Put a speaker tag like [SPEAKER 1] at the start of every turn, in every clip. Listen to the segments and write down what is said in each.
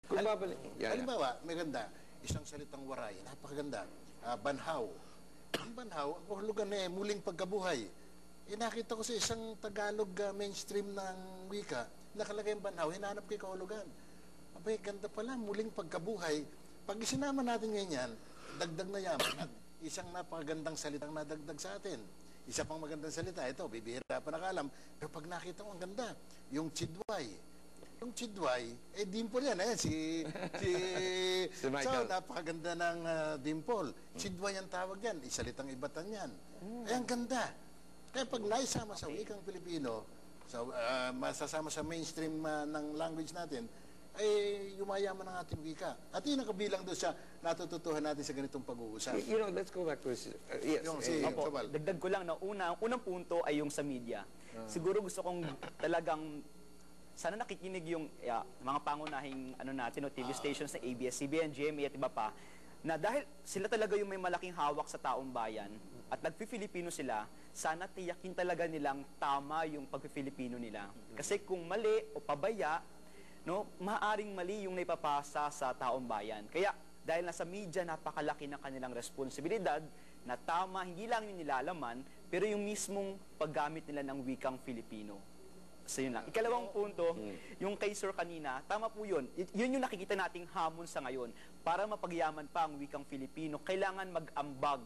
[SPEAKER 1] Kung babalik.
[SPEAKER 2] Halimbawa, may ganda, isang salitang waray, napakaganda. Banhaw. Ang banhaw, ang kahulugan na muling pagkabuhay. Nakita ko sa isang Tagalog mainstream ng wika, nakalagay ang banhaw, hinanap ko yung kahulugan. Abay, ganda pala, muling pagkabuhay. Pag isinama natin ngayon, dagdag na yaman at isang napakagandang salitang nadagdag sa atin. Isa pang magandang salita, ito, bibihira pa nakalam. Pero pag nakita ko, ang ganda, yung chidway. Yung chidway, dimple yan, si
[SPEAKER 1] Michael.
[SPEAKER 2] So, napakaganda ng dimple. Chidway ang tawag yan, isalitang ibatan yan. Ang ganda. Kaya pag naisama sa wikang Pilipino, masasama sa mainstream ng language natin, ay yumayaman ang ating wika. At yun ang kabilang doon sa natututuhan natin sa ganitong pag-uusap.
[SPEAKER 1] Let's go back to yes.
[SPEAKER 3] Dagdag ko lang na unang punto ay yung sa media. Siguro gusto kong talagang sana nakikinig yung mga pangunahing TV stations na ABS-CBN, GMA at iba pa, na dahil sila talaga yung may malaking hawak sa taong bayan at nagpi-Filipino sila, sana tiyakin talaga nilang tama yung pagpi-Filipino nila. Kasi kung mali o pabaya, maaring mali yung naipapasa sa taong bayan. Kaya dahil nasa media, napakalaki ng kanilang responsibilidad na tama, hindi lang yung nilalaman, pero yung mismong paggamit nila ng wikang Filipino. So yun lang. Ikalawang punto, yung kay Sir kanina, tama po yun. Yun yung nakikita nating hamon sa ngayon. Para mapagyaman pa ang wikang Filipino, kailangan mag-ambag,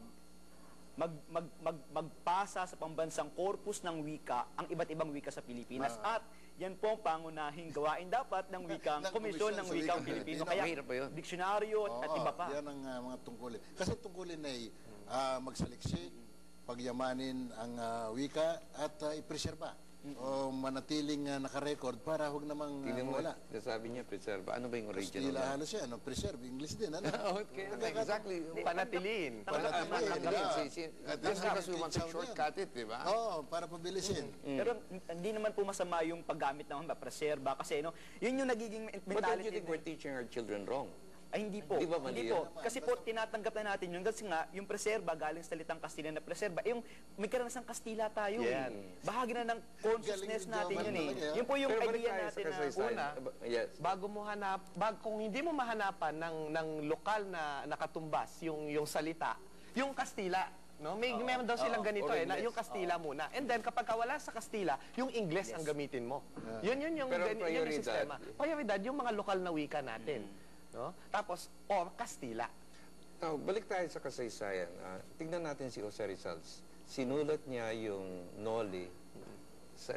[SPEAKER 3] magpasa sa pambansang korpus ng wika ang iba't ibang wika sa Pilipinas. At yan po ang pangunahing gawain dapat ng wikang komisyon ng wikang Pilipino. Kaya diksyonaryo at iba pa.
[SPEAKER 2] Yan ang mga tungkulin. Kasi tungkulin ay magsaliksik, pagyamanin ang wika at ipreserba. O manatiling nakarecord para huwag namang wala.
[SPEAKER 1] Sabi niya, preserve. Ano ba yung original?
[SPEAKER 2] Kastila halos yan. Preserve. English din.
[SPEAKER 1] Exactly.
[SPEAKER 4] Panatiliin.
[SPEAKER 1] Just because we want to shortcut it, di ba?
[SPEAKER 2] Oo, para pabilisin.
[SPEAKER 3] Pero hindi naman po masama yung paggamit ng preserba kasi yun yung nagiging mentality.
[SPEAKER 1] But don't you think we're teaching our children wrong?
[SPEAKER 3] Ay, hindi po. Hindi po. Kasi po, tinatanggap na natin yun. Kasi nga, yung preserba, galing sa salitang Kastila na preserba, yung may karanasang Kastila tayo. Bahagi na ng consciousness natin yun eh. Yun po yung idea natin na
[SPEAKER 4] una, bago mo kung hindi mo mahanapan ng lokal na nakatumbas yung salita, yung Kastila, meron daw silang ganito yung Kastila muna. And then, kapag wala sa Kastila, yung Ingles ang gamitin mo. Yun yung sistema. Prioridad, yung mga lokal na wika natin. Tapos, Kastila.
[SPEAKER 1] Now, balik tayo sa kasaysayan. Tignan natin si Jose Rizal. Sinulat niya yung Noli sa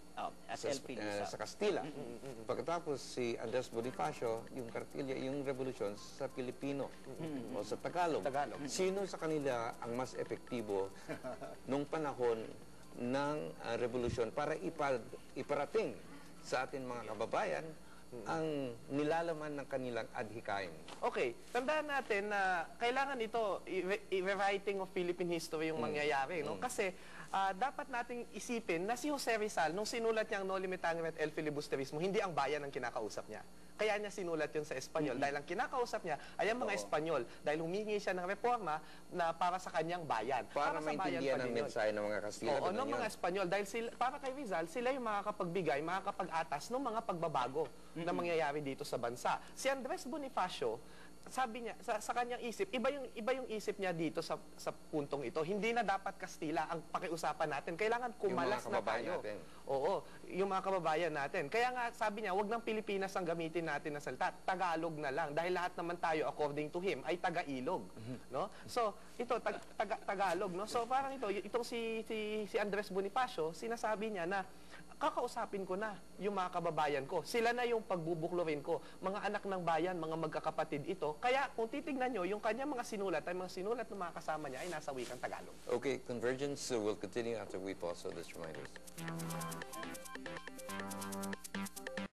[SPEAKER 1] Kastila. Pagkatapos si Andres Bonifacio, yung Kartilya, yung revolusyon sa Pilipino o sa Tagalog. Sino sa kanila ang mas epektibo nung panahon ng revolusyon para iparating sa atin mga kababayan ang nilalaman ng kanilang adhikain?
[SPEAKER 4] Okay, tandaan natin na kailangan ito i-rewriting of Philippine history yung mangyayari, Kasi dapat nating isipin na si Jose Rizal, nung sinulat niya ang Noli Me Tangere et El Filibusterismo, hindi ang bayan ang kinakausap niya. Kaya niya sinulat yun sa Espanyol. Dahil ang kinakausap niya ay ang mga Espanyol. Dahil humingi siya ng reforma na para sa kanyang bayan.
[SPEAKER 1] Para maintindihan ang mensahe ng mga Kastila.
[SPEAKER 4] Oo, ng mga Espanyol. Dahil para kay Rizal, sila yung makakapagbigay, makakapag-atas ng mga pagbabago na mangyayari dito sa bansa. Si Andres Bonifacio, sabi niya, sa kanyang isip, iba yung isip niya dito sa puntong ito. Hindi na dapat Kastila ang pakiusapan natin. Kailangan kumalas na tayo.
[SPEAKER 1] Natin.
[SPEAKER 4] Oo, yung mga kababayan natin. Kaya nga, sabi niya, wag ng Pilipinas ang gamitin natin na salita. Tagalog na lang. Dahil lahat naman tayo, according to him, ay taga-ilog. So, ito, Tagalog. So, parang itong si Andres Bonifacio, sinasabi niya na, kakausapin ko na yung mga kababayan ko. Sila na yung pagbubuklurin ko. Mga anak ng bayan, mga magkakapatid ito. Kaya kung titignan nyo, yung kanya mga sinulat, ay mga sinulat ng mga kasama niya ay nasa wikang Tagalog.
[SPEAKER 1] Okay, Convergence will continue after we pause, so let's remind us.